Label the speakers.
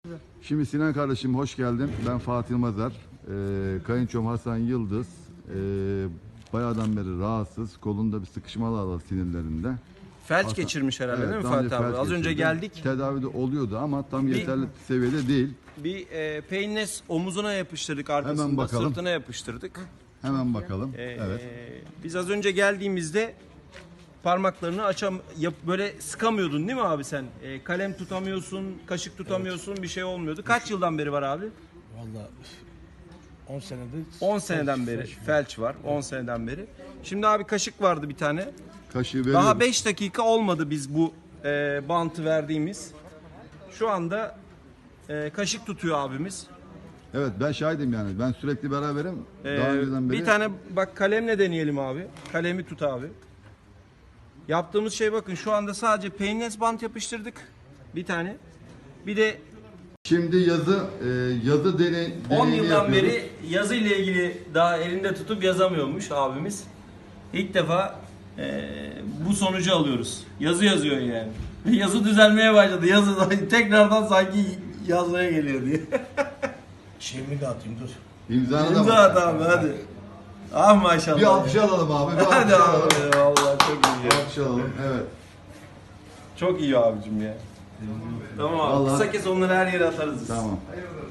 Speaker 1: Şimdi Sinan kardeşim hoş geldin. Ben Fatih Mazar. Kayınçom Hasan Yıldız. Bayağıdan beri rahatsız. Kolunda bir sıkışmalar var sinirlerinde.
Speaker 2: Felç geçirmiş herhalde,
Speaker 1: Evet,
Speaker 2: değil mi
Speaker 1: daha önce
Speaker 2: Fatih abi?
Speaker 1: felç
Speaker 2: Az önce
Speaker 1: geçirdi.
Speaker 2: geldik.
Speaker 1: Tedavide oluyordu ama tam yeterli seviyede değil.
Speaker 2: Bir peynez omuzuna yapıştırdık, arkasında
Speaker 1: Hemen bakalım.
Speaker 2: sırtına yapıştırdık.
Speaker 1: Hemen bakalım. Evet.
Speaker 2: Biz az önce geldiğimizde parmaklarını böyle sıkamıyordun değil mi abi sen? Kalem tutamıyorsun, kaşık tutamıyorsun, bir şey olmuyordu. Kaç yıldan beri var abi?
Speaker 3: Vallahi 10 senedir.
Speaker 2: 10 seneden beri felç var. 10 seneden beri. Şimdi abi kaşık vardı bir tane.
Speaker 1: Kaşığı veriyoruz.
Speaker 2: Daha 5 dakika olmadı biz bu bantı verdiğimiz. Şu anda kaşık tutuyor abimiz.
Speaker 1: Evet, ben şahidim yani. Ben sürekli beraberim. Daha önceden beri.
Speaker 2: Bir tane bak kalemle deneyelim abi. Kalemi tut abi. Yaptığımız şey bakın, şu anda sadece peynez bant yapıştırdık. Bir tane. Bir de
Speaker 1: Şimdi yazı
Speaker 2: 10
Speaker 1: deneyini
Speaker 2: yıldan
Speaker 1: yapıyoruz.
Speaker 2: beri yazı ile ilgili daha elinde tutup yazamıyormuş abimiz. İlk defa bu sonucu alıyoruz. Yazı yazıyor yani. Yazı düzelmeye başladı. Yazı tekrardan sanki yazmaya geliyor diye.
Speaker 3: Şeyimi de atayım dur.
Speaker 1: İmzanı da
Speaker 2: İmza
Speaker 1: var.
Speaker 2: at abi hadi. Ah maşallah.
Speaker 1: Bir alkış alalım abi. Bir alkış
Speaker 2: Hadi
Speaker 1: alalım.
Speaker 2: abi vallahi çok iyi.
Speaker 1: Bir alkış alalım. Evet.
Speaker 2: Çok iyi abicim ya. Tamam abi.
Speaker 1: Vallahi-
Speaker 2: Kısa kes onları her yere atarız biz.
Speaker 1: Tamam.